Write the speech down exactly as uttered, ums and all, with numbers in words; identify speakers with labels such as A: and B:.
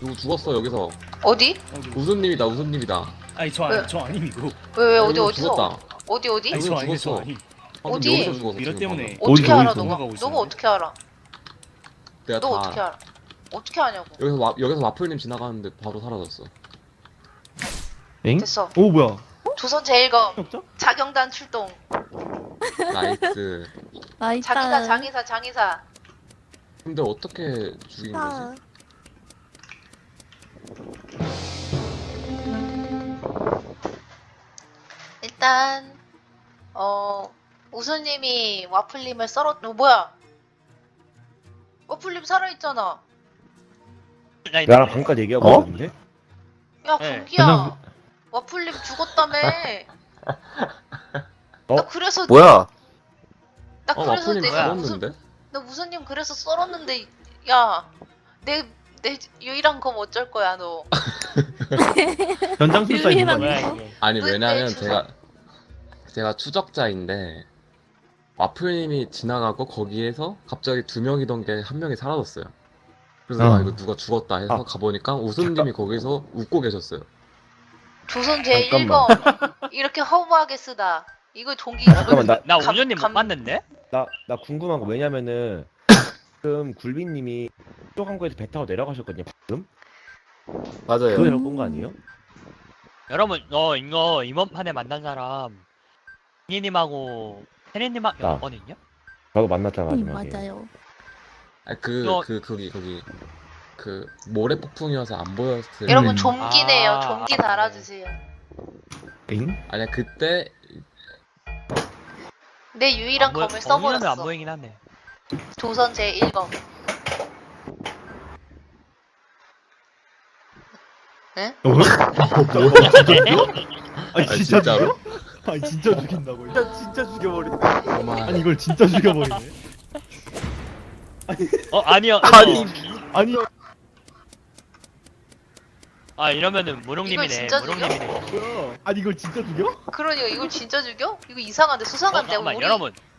A: 누구 죽었어 여기서.
B: 어디?
A: 우수님이다 우수님이다.
C: 아니 저
B: 왜?
C: 아니 저 아님 이거.
B: 왜 왜
A: 아,
B: 어디
A: 여기서
B: 어디서?
A: 죽었다.
B: 어디 어디?
C: 아니 저
A: 여기서
C: 아니 저
A: 죽었어.
C: 아니.
A: 방금
B: 어디?
A: 여기서 죽었어.
C: 미러
A: 지금
C: 때문에.
A: 방금.
B: 어떻게
D: 어디,
B: 알아
D: 어디서?
B: 너가?
C: 가고
B: 너가
C: 있었는데?
B: 어떻게 알아?
A: 내가
B: 너
A: 다
B: 어떻게 알아? 어떻게 아냐고?
A: 여기서 와, 여기서 와플님 지나가는데 바로 사라졌어.
D: 엥?
B: 됐어.
D: 오 뭐야?
B: 조선 제일검
D: 없죠?
B: 자경단 출동.
A: 나이스.
E: 나
B: 장의사
E: 일단
B: 장의사 장의사.
A: 근데 어떻게 죽인 거지?
E: 아,
B: 일단 어 우수님이 와플님을 썰었. 어, 뭐야? 와플님 살아있잖아.
D: 나랑 방금까지 얘기하고
F: 어?
D: 있는데?
B: 야
C: 네.
B: 경기야.
D: 그냥-
B: 와플님 죽었다며.
D: 어?
B: 나 그래서
F: 뭐야?
B: 나
A: 어
B: 그래서
A: 와플님
B: 내가 무슨
A: 죽었는데?
B: 나 무수님 그래서 썰었는데 야 내 내 유일한 검 어쩔 거야 너.
D: 현장 출사 있는 거
E: 유일한
D: 아니야?
C: 뭐야 이게.
A: 아니
B: 왜-
A: 왜냐면
B: 왜
A: 제가 제가 추적자인데 와플님이 지나가고 거기에서 갑자기 두 명이던 게 한 명이 사라졌어요. 그래서
D: 어.
A: 아 이거 누가 죽었다 해서
D: 아.
A: 가보니까 우수님이 거기서 웃고 계셨어요.
B: 조선 제일
D: 잠깐만.
B: 검 이렇게 허무하게 쓰다. 이거 동기
D: 잠깐만 나
C: 나
B: 감-
C: 오년님 못
B: 감-
C: 봤는데?
D: 나, 나 궁금한 거 왜냐면은 지금 굴비님이 쪽 항구에서 배 타고 내려가셨거든요 방금?
F: 맞아요.
D: 그거 내려본 거 아니에요?
C: 여러분 어 이거 이번 판에 만난 사람 이님하고 혜리님하고
D: 나.
C: 몇 번이냐?
D: 저도 만났잖아
E: 음,
D: 마지막에.
E: 맞아요.
A: 아 그
C: 너-
A: 그 거기 거기 그 모래 폭풍이어서 안 보였을.
B: 여러분
D: 음.
B: 좀기네요.
C: 아,
B: 좀기
C: 아,
B: 달아주세요.
D: 엥?
A: 아니야 그때
B: 내 유일한 검을
C: 오년은 안
B: 써버렸어.
C: 보이긴 하네.
B: 조선 제일 검. 응?
D: 어? 뭐야? 진짜 죽여? 아니
A: 아,
D: 진짜
A: 진짜로?
D: 죽여? 아니 진짜 죽인다고 진짜 진짜 죽여버리네
A: 정말
D: 아니 이걸 진짜 죽여버리네
C: 어 아니요.
F: 아니.
D: 아니
C: 아 이러면은
B: 이걸
C: 무룡님이네.
B: 진짜 죽여?
C: 무룡님이네.
D: 뭐야 아니 이걸 진짜 죽여?
B: 그러니까 이걸 진짜 죽여? 이거 이상한데
C: 어,
B: 수상한데
C: 잠깐만
B: 우리
C: 여러분